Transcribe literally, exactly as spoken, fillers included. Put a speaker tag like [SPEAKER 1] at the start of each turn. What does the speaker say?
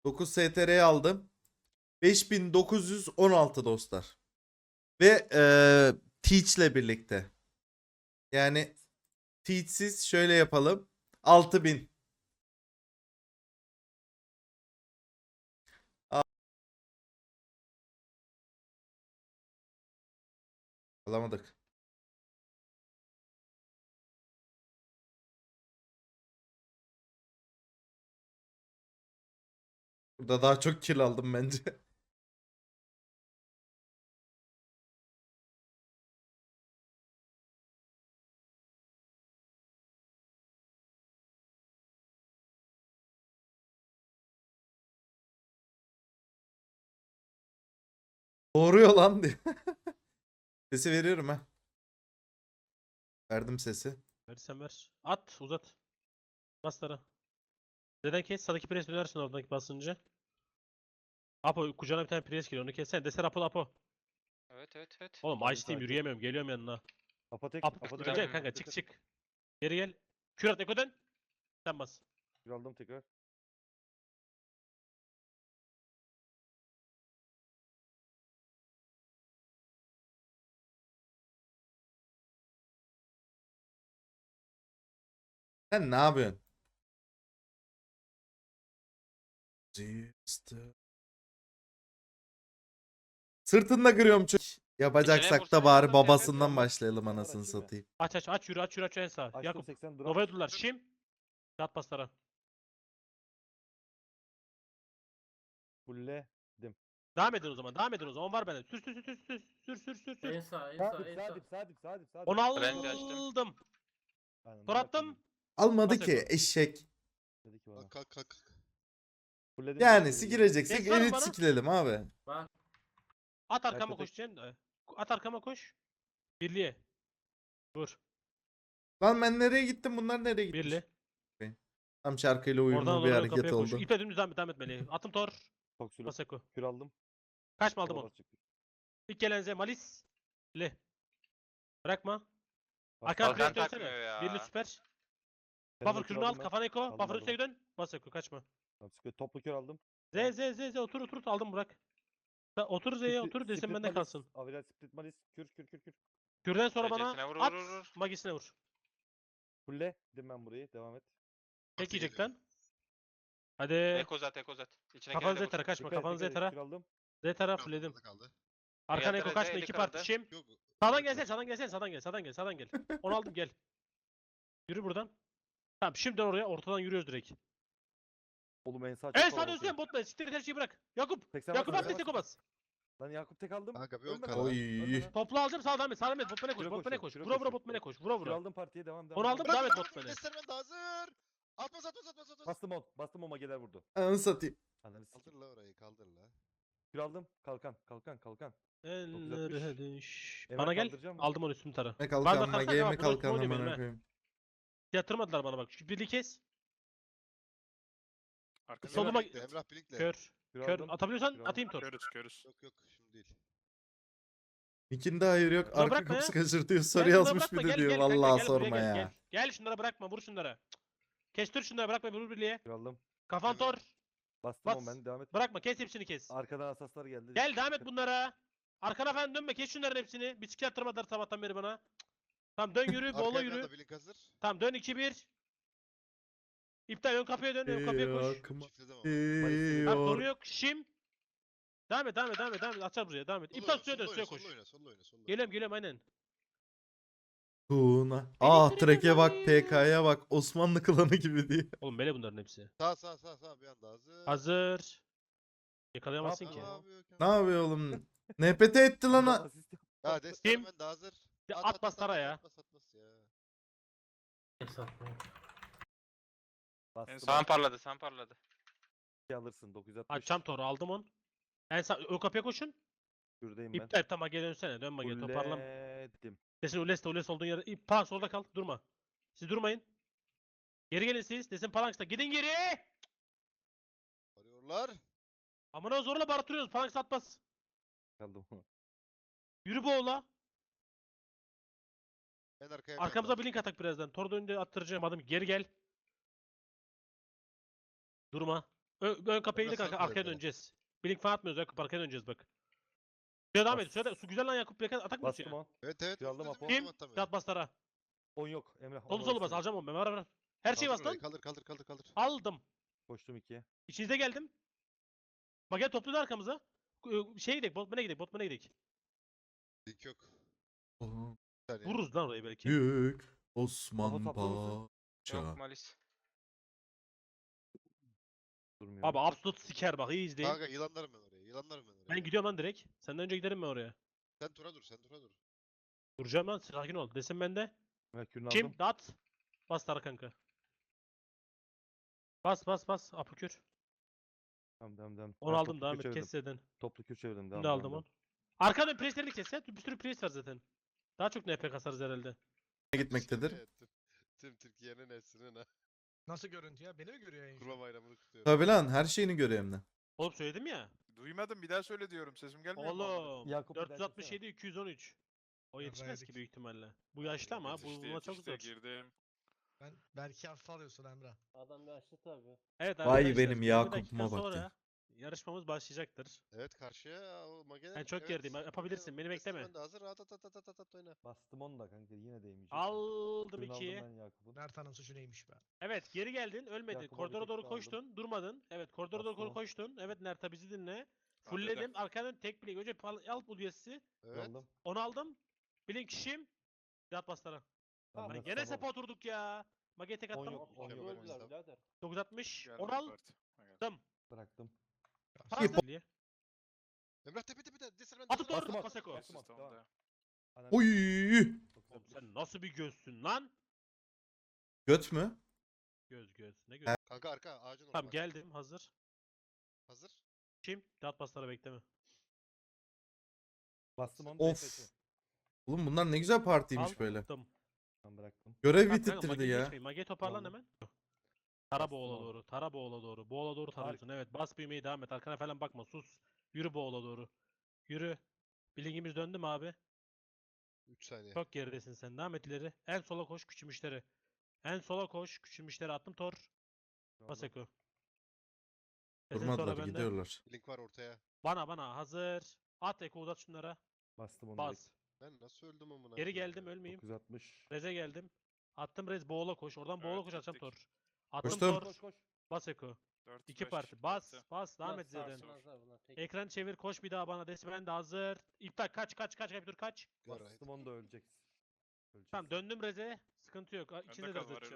[SPEAKER 1] dokuz S T R'yi aldım. beş bin dokuz yüz on altı dostlar. Ve eee Teach'le birlikte. Yani Teach'siz şöyle yapalım. altı bin. Alamadık. Burada daha çok kill aldım bence. Doğruyor lan diye. Sesi veriyorum ha. Verdim sesi.
[SPEAKER 2] Verirsen ver. At uzat. Bastara. Neden kes? Sağdaki pres dönersin oradaki basınca. Apo kucağına bir tane pres geliyor onu kessen. Deser Apo Apo.
[SPEAKER 3] Evet evet evet.
[SPEAKER 2] Oğlum
[SPEAKER 4] Geldim
[SPEAKER 2] Ice Team
[SPEAKER 4] sakin.
[SPEAKER 2] yürüyemiyorum geliyorum yanına.
[SPEAKER 4] Apotek.
[SPEAKER 2] Apo
[SPEAKER 4] Apotek.
[SPEAKER 2] döneceksin kanka çık çık. Geri gel. Kürat Eko dön. Sen bas.
[SPEAKER 4] Bir aldım tekrar.
[SPEAKER 1] Sen ne yapıyorsun? Sırtında kırıyorum çok. Yapacaksak da
[SPEAKER 3] vursan
[SPEAKER 1] bari
[SPEAKER 3] yardım yap,
[SPEAKER 1] babasından
[SPEAKER 4] yap.
[SPEAKER 1] başlayalım
[SPEAKER 4] Var,
[SPEAKER 1] anasını
[SPEAKER 4] açayım ya.
[SPEAKER 1] satayım.
[SPEAKER 2] Aç aç aç yürü aç yürü aç en sağ.
[SPEAKER 4] Açtım
[SPEAKER 2] Yakup.
[SPEAKER 4] seksen drop.
[SPEAKER 2] Nova'ya durdular. Şim. Yat bastara.
[SPEAKER 4] Fulledim.
[SPEAKER 2] Devam edin o zaman. Devam edin o zaman. On var bende. Sür sür sür sür sür sür sür sür sür.
[SPEAKER 5] En sağ, en
[SPEAKER 4] Sağ
[SPEAKER 5] sağ,
[SPEAKER 4] dip,
[SPEAKER 5] en
[SPEAKER 4] sağ
[SPEAKER 5] sağ.
[SPEAKER 4] dip, sağ dip, sağ dip, sağ dip.
[SPEAKER 2] Onu
[SPEAKER 3] French açtım.
[SPEAKER 2] aldım.
[SPEAKER 4] Aynen,
[SPEAKER 2] Tor
[SPEAKER 4] bırak
[SPEAKER 2] attım.
[SPEAKER 4] şimdi.
[SPEAKER 1] Almadı
[SPEAKER 2] Bas
[SPEAKER 1] ki
[SPEAKER 2] Eko.
[SPEAKER 1] eşek.
[SPEAKER 4] Dedi ki bana.
[SPEAKER 6] Kalk kalk kalk.
[SPEAKER 4] Fulledim.
[SPEAKER 1] Yani
[SPEAKER 4] Fulledim.
[SPEAKER 1] sikireceksek
[SPEAKER 2] Yes, var mı
[SPEAKER 1] elit
[SPEAKER 2] bana?
[SPEAKER 1] sikilelim abi.
[SPEAKER 5] Bak.
[SPEAKER 2] At arkama
[SPEAKER 4] Yakup
[SPEAKER 2] koş Cem. At arkama koş. Birliğe. Vur.
[SPEAKER 1] Lan ben nereye gittim, bunlar nereye gitmiş?
[SPEAKER 2] Birli.
[SPEAKER 1] Tam şarkıyla
[SPEAKER 2] Oradan
[SPEAKER 1] uyumlu bir
[SPEAKER 2] doğru
[SPEAKER 1] hareket
[SPEAKER 2] kapıya koş.
[SPEAKER 1] oldu.
[SPEAKER 2] İpe dümdüz devam et, devam etmeli. Atım Tor.
[SPEAKER 4] Toksülü.
[SPEAKER 2] Baseko.
[SPEAKER 4] Kür aldım.
[SPEAKER 2] Kaç mı aldım
[SPEAKER 4] Sola
[SPEAKER 2] onu?
[SPEAKER 4] basacak.
[SPEAKER 2] İlk gelen Z Malis. Le. Bırakma.
[SPEAKER 4] Bas.
[SPEAKER 2] Arkan
[SPEAKER 3] Kalkan
[SPEAKER 2] pres
[SPEAKER 3] takmıyor
[SPEAKER 2] dönsene.
[SPEAKER 3] ya.
[SPEAKER 2] Birli süper.
[SPEAKER 4] Yanına
[SPEAKER 2] Buffer
[SPEAKER 4] kür
[SPEAKER 2] kürünü al.
[SPEAKER 4] aldım ben.
[SPEAKER 2] Kafana eko.
[SPEAKER 4] Aldım,
[SPEAKER 2] Buffer
[SPEAKER 4] aldım.
[SPEAKER 2] üstüne dön. Baseko kaçma.
[SPEAKER 4] Tamam, sıkıyor. Toplu kür aldım.
[SPEAKER 2] Z Z Z Z otur otur aldım bırak. Sen otur Z'ye
[SPEAKER 4] Split-
[SPEAKER 2] otur desin
[SPEAKER 4] split
[SPEAKER 2] bende
[SPEAKER 4] malis,
[SPEAKER 2] kalsın.
[SPEAKER 4] Aviral split malis. Kür kür kür kür.
[SPEAKER 2] Kürden sonra bana
[SPEAKER 3] Derecesine vur, vur,
[SPEAKER 2] at.
[SPEAKER 3] vur, vur.
[SPEAKER 2] Magisine vur.
[SPEAKER 4] Fulledim ben burayı. Devam et.
[SPEAKER 2] Tek
[SPEAKER 6] Parti
[SPEAKER 2] yiyecek
[SPEAKER 6] geliyor.
[SPEAKER 2] lan. Hadi.
[SPEAKER 3] Eko zat eko zat. İçine
[SPEAKER 2] Kafanı
[SPEAKER 3] girene
[SPEAKER 2] Z tara
[SPEAKER 3] vur.
[SPEAKER 2] kaçma.
[SPEAKER 4] Dikkat et,
[SPEAKER 2] Kafanı Z
[SPEAKER 4] dikkat et.
[SPEAKER 2] tara.
[SPEAKER 4] Kür aldım.
[SPEAKER 2] Z tara
[SPEAKER 6] Kaldı,
[SPEAKER 2] fullledim.
[SPEAKER 6] kaldı, kaldı.
[SPEAKER 2] Arkan
[SPEAKER 3] Geldi
[SPEAKER 2] eko
[SPEAKER 3] Reze,
[SPEAKER 2] kaçma.
[SPEAKER 3] eli
[SPEAKER 2] iki
[SPEAKER 3] kırıldı.
[SPEAKER 2] parti şim.
[SPEAKER 6] Yok.
[SPEAKER 2] Sağdan gelsene sağdan gelsene sağdan gel sağdan gel sağdan gel. Onu aldım gel. Yürü buradan. Tamam şimdi oraya ortadan yürüyoruz direkt.
[SPEAKER 4] Oğlum en sağ çok
[SPEAKER 2] En
[SPEAKER 4] havalı
[SPEAKER 2] sağda
[SPEAKER 4] atıyor.
[SPEAKER 2] Hüseyin botla. Siktir et her şeyi bırak. Yakup.
[SPEAKER 4] seksen
[SPEAKER 2] Yakup
[SPEAKER 4] bas,
[SPEAKER 2] at
[SPEAKER 4] seksen
[SPEAKER 2] destek
[SPEAKER 4] bas.
[SPEAKER 2] bas.
[SPEAKER 4] Lan Yakup tek aldım.
[SPEAKER 6] Kanka bir on
[SPEAKER 4] Ölme
[SPEAKER 6] kala.
[SPEAKER 4] lan.
[SPEAKER 1] Oy.
[SPEAKER 4] Ölme lan.
[SPEAKER 2] Toplu alacağım sağdan et. Sağdan et. Botmane koş.
[SPEAKER 4] Şuraya
[SPEAKER 2] Botmane
[SPEAKER 4] koşuyorum,
[SPEAKER 2] koş.
[SPEAKER 4] şuraya
[SPEAKER 2] Vura vura
[SPEAKER 4] koşuyorum.
[SPEAKER 2] botmane koş. Vura
[SPEAKER 4] Kür
[SPEAKER 2] vura.
[SPEAKER 4] aldım partiye devam devam.
[SPEAKER 2] Onu
[SPEAKER 4] devam,
[SPEAKER 2] aldım,
[SPEAKER 4] devam.
[SPEAKER 2] devam et botmane.
[SPEAKER 6] Destermen de hazır. Atmaz atmaz atmaz atmaz.
[SPEAKER 4] Bastım on. Bastım on mageler vurdu.
[SPEAKER 1] Ananı satayım.
[SPEAKER 4] Ananı
[SPEAKER 6] Kaldır
[SPEAKER 4] sikeyim.
[SPEAKER 6] la orayı kaldır la.
[SPEAKER 4] Kür aldım. Kalkan. Kalkan. Kalkan.
[SPEAKER 2] Ellere düş.
[SPEAKER 4] Emel
[SPEAKER 2] Bana gel.
[SPEAKER 4] kaldıracağım mı?
[SPEAKER 2] Aldım onu üstüm tara.
[SPEAKER 1] Ne
[SPEAKER 2] Bana
[SPEAKER 1] kalkan
[SPEAKER 2] kalsana
[SPEAKER 1] mage
[SPEAKER 2] devam,
[SPEAKER 1] mi
[SPEAKER 2] burası
[SPEAKER 1] kalkan
[SPEAKER 2] ne oluyor benim
[SPEAKER 1] amına
[SPEAKER 2] ha?
[SPEAKER 1] koyayım.
[SPEAKER 2] Yatırmadılar bana bak. Şu birliği kes.
[SPEAKER 6] Arkada
[SPEAKER 2] Soluma-
[SPEAKER 6] Emrah Bilik'le, Emrah Bilik'le.
[SPEAKER 2] Kör.
[SPEAKER 4] Kür
[SPEAKER 2] Kör.
[SPEAKER 4] aldım.
[SPEAKER 2] Atabiliyorsan
[SPEAKER 4] Kür aldım.
[SPEAKER 2] atayım tor.
[SPEAKER 3] Körüz körüz.
[SPEAKER 6] Yok yok şimdi değil.
[SPEAKER 1] İkinde hayır yok.
[SPEAKER 2] Ulan
[SPEAKER 1] Arka
[SPEAKER 2] bırakma
[SPEAKER 1] kapısı
[SPEAKER 2] ya.
[SPEAKER 1] kaçır diyor.
[SPEAKER 2] Gel
[SPEAKER 1] Soru
[SPEAKER 2] bunları
[SPEAKER 1] yazmış
[SPEAKER 2] bırakma,
[SPEAKER 1] bir de
[SPEAKER 2] gel,
[SPEAKER 1] diyor.
[SPEAKER 2] gel kanka,
[SPEAKER 1] Vallahi
[SPEAKER 2] gel buraya,
[SPEAKER 1] sorma
[SPEAKER 2] gel,
[SPEAKER 1] ya.
[SPEAKER 2] Gel. Gel şunlara bırakma vur şunlara. Cık. Kestir şunları bırakma vur birliğe.
[SPEAKER 4] Kür aldım.
[SPEAKER 2] Kafan
[SPEAKER 6] Evet.
[SPEAKER 2] tor.
[SPEAKER 4] Bastım on
[SPEAKER 2] Bas.
[SPEAKER 4] ben. Devam et.
[SPEAKER 2] Bırakma kes hepsini kes.
[SPEAKER 4] Arkadan asaslar geldi.
[SPEAKER 2] Gel devam et bunlara. Arkana falan dönme kes şunların hepsini. Bir sikir attırmadılar sabahtan beri bana. Cık. Tamam dön yürü
[SPEAKER 6] Arka
[SPEAKER 2] boğula
[SPEAKER 6] Emrah
[SPEAKER 2] yürü.
[SPEAKER 6] da Bilik hazır.
[SPEAKER 2] Tamam dön iki bir. İptal ön kapıya dön ön kapıya koş.
[SPEAKER 1] Yakma
[SPEAKER 6] Çiftledim ama.
[SPEAKER 2] Tamam sorun
[SPEAKER 1] diyor.
[SPEAKER 2] yok. Şim. Devam et devam et devam et. Devam et. Açar buraya devam et.
[SPEAKER 6] Solla
[SPEAKER 2] İptal
[SPEAKER 6] oyna,
[SPEAKER 2] suya dön
[SPEAKER 6] solla
[SPEAKER 2] suya
[SPEAKER 6] oyna,
[SPEAKER 2] koş.
[SPEAKER 6] solla oyna, solla oyna, solla oyna.
[SPEAKER 2] Geliyorum geliyorum aynen.
[SPEAKER 1] Tuna. Ah treke bak, P K'ya bak. Osmanlı klanı gibi diye.
[SPEAKER 2] Oğlum böyle bunların hepsi.
[SPEAKER 6] Sağ sağ sağ sağ bir anda hazır.
[SPEAKER 2] Hazır. Yakalayamazsın
[SPEAKER 4] Ne
[SPEAKER 2] ki.
[SPEAKER 6] Ne
[SPEAKER 4] yapıyor?
[SPEAKER 6] yapıyor
[SPEAKER 1] Ne
[SPEAKER 6] Kemal?
[SPEAKER 1] yapıyor oğlum? N P T etti lan.
[SPEAKER 4] Adam
[SPEAKER 1] ha-
[SPEAKER 4] asist yap-
[SPEAKER 6] Ha Destermen de hazır.
[SPEAKER 2] Ya at bastara ya.
[SPEAKER 6] Atmaz atmaz ya.
[SPEAKER 5] En satma.
[SPEAKER 4] Bastım
[SPEAKER 3] Sağın
[SPEAKER 4] on.
[SPEAKER 3] parladı sağın parladı.
[SPEAKER 4] İki alırsın. dokuz yüz altmış.
[SPEAKER 2] Açacağım toru aldım on. En sağ ön kapıya koşun.
[SPEAKER 4] Kürdeyim ben.
[SPEAKER 2] İptal tamam geri dönsene. Dönme geri toparlan.
[SPEAKER 4] Fulledim.
[SPEAKER 2] Desin Ules Ules olduğun yerde. İp, pa solda kal. Durma. Siz durmayın. Geri gelin siz. Desin Phalanx'ta. Gidin geri.
[SPEAKER 6] Arıyorlar.
[SPEAKER 2] Amına zorla bartırıyoruz. Phalanx atmaz.
[SPEAKER 4] Kaldım.
[SPEAKER 2] Yürü bu oğla.
[SPEAKER 6] En arkaya
[SPEAKER 2] Arkamıza
[SPEAKER 6] Emrah.
[SPEAKER 2] blink atak birazdan. Tor da önünde attıracağım adım. Geri gel. Durma. Ö- ön kapıya
[SPEAKER 6] Emre
[SPEAKER 2] gidip arka,
[SPEAKER 6] satma
[SPEAKER 2] arkaya
[SPEAKER 6] Emre.
[SPEAKER 2] döneceğiz. Blink falan atmıyoruz. Ön kapı arkaya döneceğiz bak. Şuraya devam et.
[SPEAKER 4] Bas.
[SPEAKER 2] Şurada su güzel lan Yakup. Blink atak mı
[SPEAKER 4] Bastım
[SPEAKER 2] tutuyor?
[SPEAKER 4] on.
[SPEAKER 6] Evet evet.
[SPEAKER 4] Kür aldım
[SPEAKER 6] dedim,
[SPEAKER 4] Apo.
[SPEAKER 6] aldım
[SPEAKER 2] Kim?
[SPEAKER 6] atamıyorum.
[SPEAKER 2] Kat bastara.
[SPEAKER 4] on yok. Emre.
[SPEAKER 2] Solu solu bas. Alacağım onu ben. Var var. Her şeyi
[SPEAKER 6] Kaldır
[SPEAKER 2] bas lan.
[SPEAKER 6] orayı, Kaldır kaldır kaldır kaldır.
[SPEAKER 2] Aldım.
[SPEAKER 4] Koştum ikiye.
[SPEAKER 2] İçinize geldim. Bak gel toplu da arkamıza. Ee, Şeye gidelim. Botman'a gidelim. Botman'a gidelim.
[SPEAKER 6] Link yok.
[SPEAKER 1] Oh,
[SPEAKER 6] Bir saniye.
[SPEAKER 2] Vururuz lan orayı belki.
[SPEAKER 1] Büyük Osman
[SPEAKER 4] Kafa saplı mısın?
[SPEAKER 1] Paşa.
[SPEAKER 3] Yok Malis.
[SPEAKER 4] Durmuyor.
[SPEAKER 2] Abi absolut siker bak. iyi izleyin.
[SPEAKER 6] Kanka yılanlarım ben oraya. Yılanlarım ben oraya.
[SPEAKER 2] Ben gidiyorum lan direkt. Senden önce giderim ben oraya.
[SPEAKER 6] Sen tura dur sen tura dur.
[SPEAKER 2] Duracağım lan. Sakin ol. Desin bende.
[SPEAKER 4] Emre kürünü
[SPEAKER 2] Kim?
[SPEAKER 4] aldım.
[SPEAKER 2] Dat. Bas Tara kanka. Bas bas bas. Apukür.
[SPEAKER 4] Tamam devam devam.
[SPEAKER 2] Onu
[SPEAKER 4] Ben
[SPEAKER 2] aldım
[SPEAKER 4] toplu
[SPEAKER 2] devam
[SPEAKER 4] kür
[SPEAKER 2] et.
[SPEAKER 4] çevirdim.
[SPEAKER 2] Kes dedin.
[SPEAKER 4] Toplu kür çevirdim. Devam
[SPEAKER 2] Bunu da
[SPEAKER 4] devam,
[SPEAKER 2] aldım
[SPEAKER 4] devam.
[SPEAKER 2] onu. Arkadan preslerini kes ya. Bir sürü pres var zaten. Daha çok N P kasarız herhalde.
[SPEAKER 1] Ne gitmektedir?
[SPEAKER 6] Evet, tüm, tüm Türkiye'nin Nesrin'in ha.
[SPEAKER 5] Nasıl görüntü ya? Beni mi görüyor yayın?
[SPEAKER 6] Kurban bayramını kutluyorum.
[SPEAKER 1] Tabi lan her şeyini görüyor hem de.
[SPEAKER 2] Oğlum söyledim ya.
[SPEAKER 7] Duymadım bir daha söyle diyorum. Sesim gelmiyor mu? amına?
[SPEAKER 2] Oğlum.
[SPEAKER 4] Yakup bir daha
[SPEAKER 2] dört yüz altmış yedi iki yüz on üç. O
[SPEAKER 5] Ya
[SPEAKER 2] yetişmez
[SPEAKER 5] yedik.
[SPEAKER 2] ki büyük ihtimalle. Bu yaşlı ama bu
[SPEAKER 7] Yetişti,
[SPEAKER 2] buna çok
[SPEAKER 7] yetişti,
[SPEAKER 2] zor.
[SPEAKER 7] girdim.
[SPEAKER 5] Ben belki hafife alıyorsun Emre.
[SPEAKER 8] Adam yaşlı tabii.
[SPEAKER 2] Evet
[SPEAKER 1] Vay
[SPEAKER 2] arkadaşlar,
[SPEAKER 1] benim
[SPEAKER 2] yirmi
[SPEAKER 1] Yakup'uma
[SPEAKER 2] dakika
[SPEAKER 1] bak
[SPEAKER 2] sonra
[SPEAKER 1] ya.
[SPEAKER 2] yarışmamız başlayacaktır.
[SPEAKER 6] Evet karşıya o Mageler.
[SPEAKER 2] Ben çok gerideyim, yapabilirsin, beni bekleme.
[SPEAKER 6] Ben de hazır. At at at at at at at oyna.
[SPEAKER 4] Bastım onu da kanka yine değmeyecek.
[SPEAKER 2] Aldım
[SPEAKER 4] Kürünü aldım
[SPEAKER 2] ikiyi.
[SPEAKER 4] ben Yakup'un.
[SPEAKER 5] Mert Hanım suçu neymiş be?
[SPEAKER 2] Evet geri geldin ölmedin.
[SPEAKER 4] Yakup'a bir
[SPEAKER 2] Koridora
[SPEAKER 4] tek
[SPEAKER 2] doğru
[SPEAKER 4] daha
[SPEAKER 2] koştun durmadın. Evet koridora doğru
[SPEAKER 4] Bastım.
[SPEAKER 2] koştun. Evet Nerta bizi dinle.
[SPEAKER 7] Hadi
[SPEAKER 2] Fullledim arkadan tek blink. Önce pal- al bu diyesi.
[SPEAKER 6] Evet.
[SPEAKER 4] Aldım.
[SPEAKER 2] Onu aldım. Blink şim. Yat bastara.
[SPEAKER 4] Tamam,
[SPEAKER 2] Lan
[SPEAKER 4] ben
[SPEAKER 2] gene
[SPEAKER 4] sabah-
[SPEAKER 2] sepa oturduk ya. Mage tek
[SPEAKER 4] On
[SPEAKER 2] attım.
[SPEAKER 4] yok, on
[SPEAKER 6] Mükemmel
[SPEAKER 4] yok.
[SPEAKER 6] oynamışlar.
[SPEAKER 8] Öldüler birader.
[SPEAKER 2] dokuz altmış.
[SPEAKER 7] Geldi
[SPEAKER 2] Onu
[SPEAKER 7] bir
[SPEAKER 2] al.
[SPEAKER 7] parti. Ha, geldi.
[SPEAKER 2] Attım.
[SPEAKER 4] Bıraktım.
[SPEAKER 2] Hazırlığı.
[SPEAKER 6] Emrah tepe tepe de. Desir ben
[SPEAKER 2] Atıp
[SPEAKER 6] hazır.
[SPEAKER 2] doğru
[SPEAKER 4] Bastım,
[SPEAKER 2] Paseko.
[SPEAKER 4] bastım.
[SPEAKER 7] Siz
[SPEAKER 4] Tamam.
[SPEAKER 7] tamam.
[SPEAKER 4] Ananı-
[SPEAKER 1] Oy!
[SPEAKER 4] dokuz
[SPEAKER 2] Oğlum
[SPEAKER 4] altmış.
[SPEAKER 2] sen nasıl bir gözsün lan?
[SPEAKER 1] Göt mü?
[SPEAKER 2] Göz göz. Ne göz?
[SPEAKER 6] Kanka arka ağacın orada.
[SPEAKER 2] Tamam
[SPEAKER 6] bak.
[SPEAKER 2] geldim hazır.
[SPEAKER 6] Hazır.
[SPEAKER 2] Kim? Dağıt baslara bekleme.
[SPEAKER 4] Bastım onu.
[SPEAKER 1] Of. Oğlum bunlar ne güzel partiymiş böyle.
[SPEAKER 2] Aldım.
[SPEAKER 4] Tamam bıraktım.
[SPEAKER 1] Görev
[SPEAKER 2] Bak kanka
[SPEAKER 1] bitirtirdi
[SPEAKER 2] Mage'yi
[SPEAKER 1] ya.
[SPEAKER 2] geçmeyin. Mage'yi toparlan
[SPEAKER 4] Tamam.
[SPEAKER 2] hemen. Tara
[SPEAKER 4] Bastım
[SPEAKER 2] boğula
[SPEAKER 4] abi.
[SPEAKER 2] doğru. Tara boğula doğru. Boğula doğru tarıyorsun. Evet bas büyümeyi devam et. Arkana falan bakma. Sus. Yürü boğula doğru. Yürü. Bilingimiz döndü mü abi?
[SPEAKER 6] üç saniye.
[SPEAKER 2] Çok geridesin sen. Devam et ileri. En sola koş küçülmüşleri. En sola koş küçülmüşleri attım tor. Maseko. Kesin sonra
[SPEAKER 1] Durmadılar
[SPEAKER 2] bende.
[SPEAKER 1] gidiyorlar.
[SPEAKER 6] Link var ortaya.
[SPEAKER 2] Bana bana hazır. At Eko uzat şunlara.
[SPEAKER 4] Bastım onu.
[SPEAKER 2] Bas.
[SPEAKER 6] Ben nasıl öldüm amına?
[SPEAKER 2] Geri
[SPEAKER 6] koyayım
[SPEAKER 2] geldim
[SPEAKER 6] ya?
[SPEAKER 2] ölmeyeyim.
[SPEAKER 4] dokuz altmış.
[SPEAKER 2] Reze geldim. Attım Rez boğula koş. Oradan boğula
[SPEAKER 7] Evet,
[SPEAKER 2] koş atacağım
[SPEAKER 7] gittik.
[SPEAKER 2] tor. Attım
[SPEAKER 1] Koştum.
[SPEAKER 2] tor.
[SPEAKER 4] Koş koş.
[SPEAKER 2] Bas Eko.
[SPEAKER 7] dört,
[SPEAKER 2] İki
[SPEAKER 7] beş,
[SPEAKER 2] parti. Bas.
[SPEAKER 7] altı.
[SPEAKER 2] Bas. Devam
[SPEAKER 8] Bunlar
[SPEAKER 2] et Z'den.
[SPEAKER 8] sarsılmazlar bunlar, tek-
[SPEAKER 2] Ekran çevir. Koş bir daha bana. Desi ben de hazır. İptal. Kaç kaç kaç. Kaç dur kaç.
[SPEAKER 6] Gör,
[SPEAKER 4] Bastım onu da öleceksin. Öleceksin.
[SPEAKER 2] Tamam döndüm Reze. Sıkıntı yok. İçinde de
[SPEAKER 7] kal,
[SPEAKER 2] Reze
[SPEAKER 7] var,
[SPEAKER 2] atacağım.